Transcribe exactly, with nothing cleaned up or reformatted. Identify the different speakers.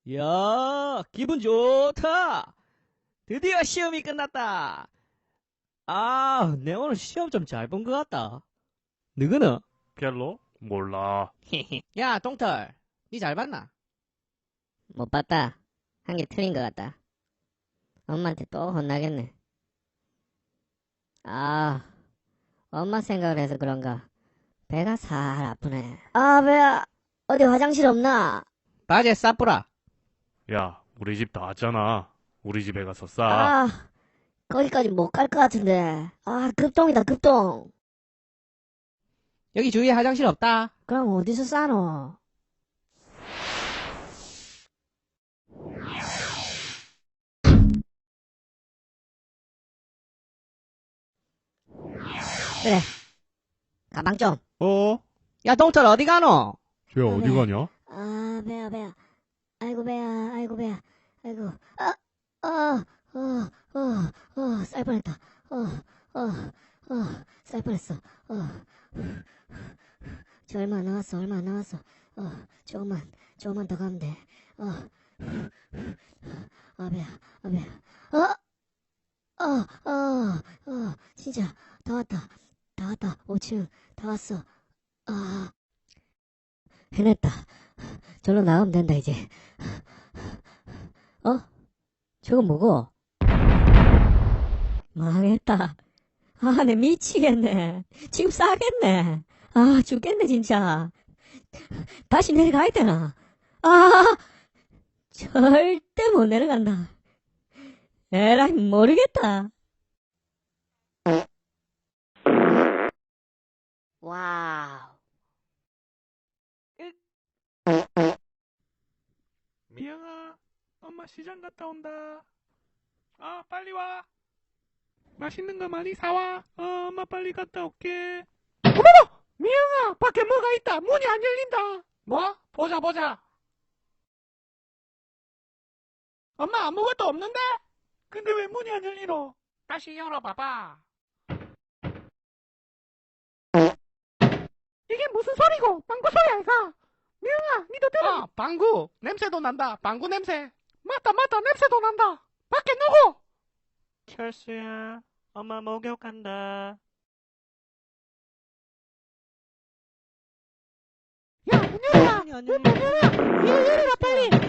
Speaker 1: 야, 기분 좋다. 드디어 시험이 끝났다. 아, 내 오늘 시험 좀 잘 본 것 같다. 누구는?
Speaker 2: 별로? 몰라.
Speaker 1: 야, 동털. 니 잘 봤나?
Speaker 3: 못 봤다. 한 개 틀린 것 같다. 엄마한테 또 혼나겠네. 아, 엄마 생각을 해서 그런가. 배가 살 아프네. 아, 배야. 어디 화장실 없나?
Speaker 1: 바지에 싸뿌라.
Speaker 2: 야, 우리 집 나왔잖아. 우리 집에 가서 싸.
Speaker 3: 아, 거기까지 못 갈 것 같은데. 아, 급동이다, 급동.
Speaker 1: 여기 주위에 화장실 없다.
Speaker 3: 그럼 어디서 싸노? 그래. 가방 좀.
Speaker 2: 어?
Speaker 1: 야, 동털 어디 가노?
Speaker 2: 쟤 어디
Speaker 3: 네.
Speaker 2: 가냐?
Speaker 3: 아, 배야, 배야. 아이고, 배야, 아이고, 배야. 아이고, 아, 아, 어, 어, 어, 쌀 뻔했다. 어, 어, 어, 쌀 뻔했어. 어, 저 얼마 안 남았어, 얼마 안 남았어. 어, 조금만, 조금만 더 가면 돼. 어, 아, 배야, 아, 배야. 어, 어, 어, 어, 진짜, 다 왔다. 다 왔다. 오 층, 다 왔어. 아, 해냈다. 절로 나가면 된다, 이제. 어? 저건 뭐고? 망했다. 아, 내 미치겠네. 지금 싸겠네. 아, 죽겠네, 진짜. 다시 내려가야 되나? 아, 절대 못 내려간다. 에라이, 모르겠다. 와우.
Speaker 2: 미영아, 엄마 시장 갔다 온다. 아, 빨리 와. 맛있는 거 많이 사와. 어, 엄마 빨리 갔다 올게. 어머머! 미영아, 밖에 뭐가 있다. 문이 안 열린다. 뭐? 보자, 보자. 엄마, 아무것도 없는데? 근데 왜 문이 안 열리노? 다시 열어봐봐. 이게 무슨 소리고? 방구 소리 아이가? 미영아, 니도 들어. 아, 방구. 냄새도 난다. 방구 냄새. 맞다, 맞다. 냄새도 난다. 밖에 누구? 철수야, 엄마 목욕 간다. 야, 문 열어라.
Speaker 1: 문이 안
Speaker 2: 문
Speaker 1: 열려.
Speaker 2: 열어라. 이거 열어라, 빨리.